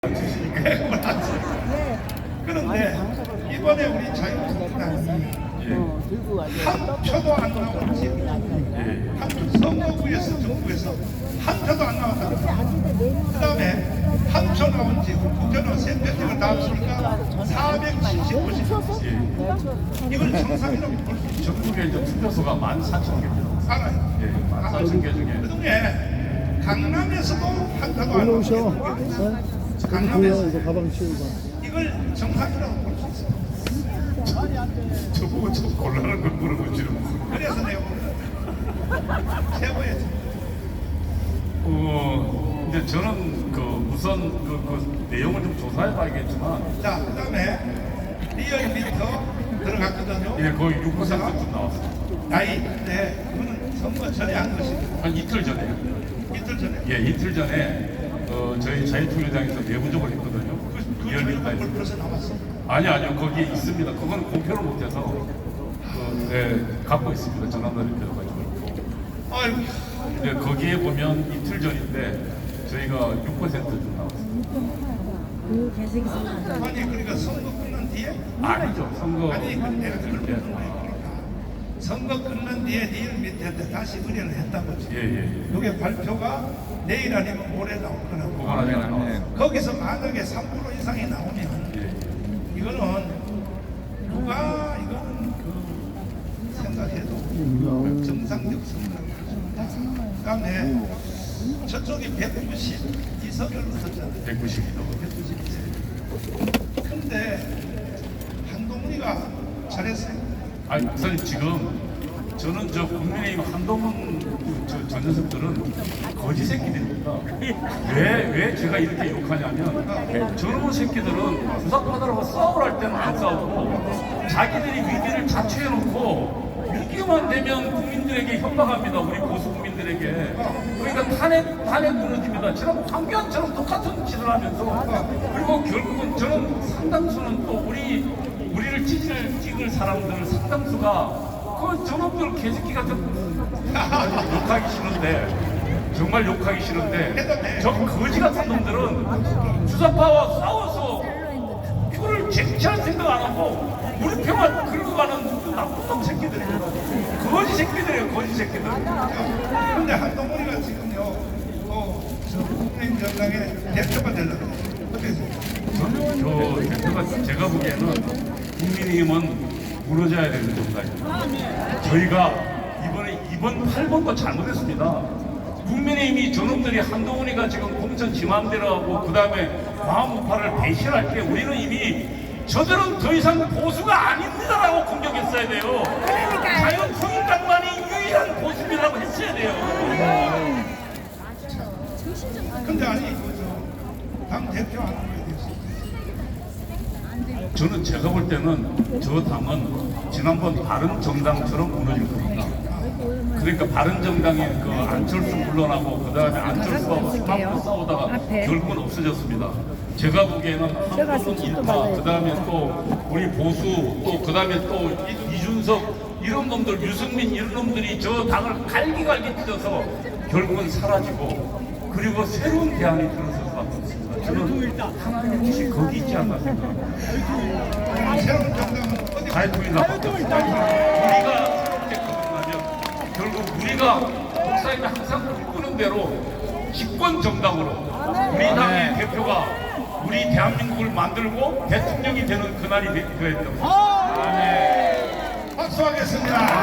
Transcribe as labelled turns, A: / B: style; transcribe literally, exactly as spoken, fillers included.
A: 그런데 이번에 우리 자유한국당이 한 표도 안 나왔지. 한 선거구에서 정부에서 한 표도 안 나왔다. 그 다음에 한 표 나온 지 국회의원 세 표씩을 다 합치니까 사백칠십오 씩. 이걸 정상이라고 볼 수 있죠.
B: 전국에 이제 투표소가 만 사천 개입니다.
A: 알아요.
B: 예, 만 사천 개 중에.
A: 그 중에 강남에서도 한 표도 안
C: 올라오셔.
A: 나왔어요.
C: 네?
A: 강남에서
C: 이거 가방 치우고.
A: 이걸 정상이라고 볼 수 있어요.
B: 저보고 저 곤란한 걸 물어보지는.
A: 그래서 내가 오늘 최고의
B: 어, 이제 저는 그 우선 그, 그 내용을 좀 조사해 봐야겠지만,
A: 자, 그 다음에 리얼미터 들어갔거든요.
B: 예, 거의 육 퍼센트쯤 나왔어요.
A: 나이 때 그거는 선거 전에 한 것이고
B: 한 이틀 전에.
A: 이틀 전에
B: 예, 이틀 전에 어, 저희 자유통일당에서 내부적으로 했거든요.
A: 그
B: 리얼미터에서.
A: 저희가 벌써 나왔어.
B: 아니 아니요, 거기에 있습니다. 그건 공표를 못해서 그, 네, 갖고 있습니다. 전화번호 가지고 있고.
A: 아이고,
B: 근데 거기에 보면 이틀 전인데 저희가 육 퍼센트쯤 나왔습니다.
D: 그 개색이 생각나.
A: 아니 그러니까 선거 끝난 뒤에
B: 아니죠, 선거.
A: 아니 그 내가 그걸
B: 예.
A: 묻는 거예요. 그러니까 선거 끝난 뒤에 리얼미터한테 다시 의뢰를 했다고 지.
B: 예, 예, 예.
A: 이게 발표가 내일 아니면 모레 나올 거라고.
B: 그건 아직 안 나왔어요.
A: 거기서 만약에 삼 퍼센트 이상이 나오면
B: 예.
A: 이거는 누가 이거는 그 생각해도 정상적 선거라고 할수 있다. 그다음에 저쪽이 백구십 이석을 얻었잖아요.
B: 백구십이 넘어.
A: 백구십 세. 근데 한동훈이가 잘했어요.
B: 아니, 목사님 지금 저는 저 국민의힘 한동훈 저, 저 녀석들은 거지 새끼들입니다. 왜, 왜 제가 이렇게 욕하냐면 저런 새끼들은 주사파들하고 싸우랄 때는 안 싸우고 자기들이 위기를 자초해놓고 위기만 되면 국민들에게 협박합니다. 우리 보수 국민들에게. 그러니까 탄핵, 탄핵 무너집니다. 저런 황교안처럼 똑같은 짓을 하면서 그리고 결국은 저는 상당수는 또 우리 우리를 찢을 찍을 사람들 상당수가 그 저놈들 개새끼 같은 욕하기 싫은데 정말 욕하기 싫은데 저 거지 같은 놈들은 주사파와 싸워서 표를 쟁취할 생각 안 하고 우리 표만 끌고 가는 나쁜 놈 새끼들이에요. 거지 새끼들이에요, 거지 새끼들.
A: 근데 한동훈이가 지금요, 어, 저 국민의힘 정당의 대표가 되려고 그래요.
B: 저는 저 대표가 제가 보기에는 국민의힘은 무너져야 되는 정당입니다. 저희가 이번에 이번 팔 번도 잘못했습니다. 국민의힘이 저놈들이 한동훈이가 지금 공천 지맘대로 하고 그 다음에 마음우파를 배신할 때 우리는 이미 저들은 더 이상 보수가 아닙니다라고 공격했어야 돼요. 자유통일당만이 유일한 보수라고 했어야 돼요.
A: 근데 아니, 그, 당 대표 안 하는 거에 대해서.
B: 저는 제가 볼 때는 저 당은 지난번 바른정당처럼 무너질 겁니다. 그러니까 바른정당의 그 안철수 물러나고 그 다음에 안철수하고 스마트 싸우다가 결국은 없어졌습니다. 제가 보기에는 한국은 인파, 그 다음에 또 우리 보수, 또 그 다음에 또 이준석 이런 놈들, 유승민 이런 놈들이 저 당을 갈기갈기 찢어서 결국은 사라지고 그리고 새로운 대안이 들어설 수밖에 없습니다. 저는 하나님의 뜻이 거기 있지 않나 생각합니다.
A: 새로운 정당은 어디
B: 자유통일당밖에 없습니다. 우리가 새롭게 거듭나면 결국 우리가 목사님이 항상 꿈꾸는 대로 집권 정당으로 우리 당의 대표가 우리 대한민국을 만들고 대통령이 되는 그날이 되어야 됩니다.
A: 박수하겠습니다.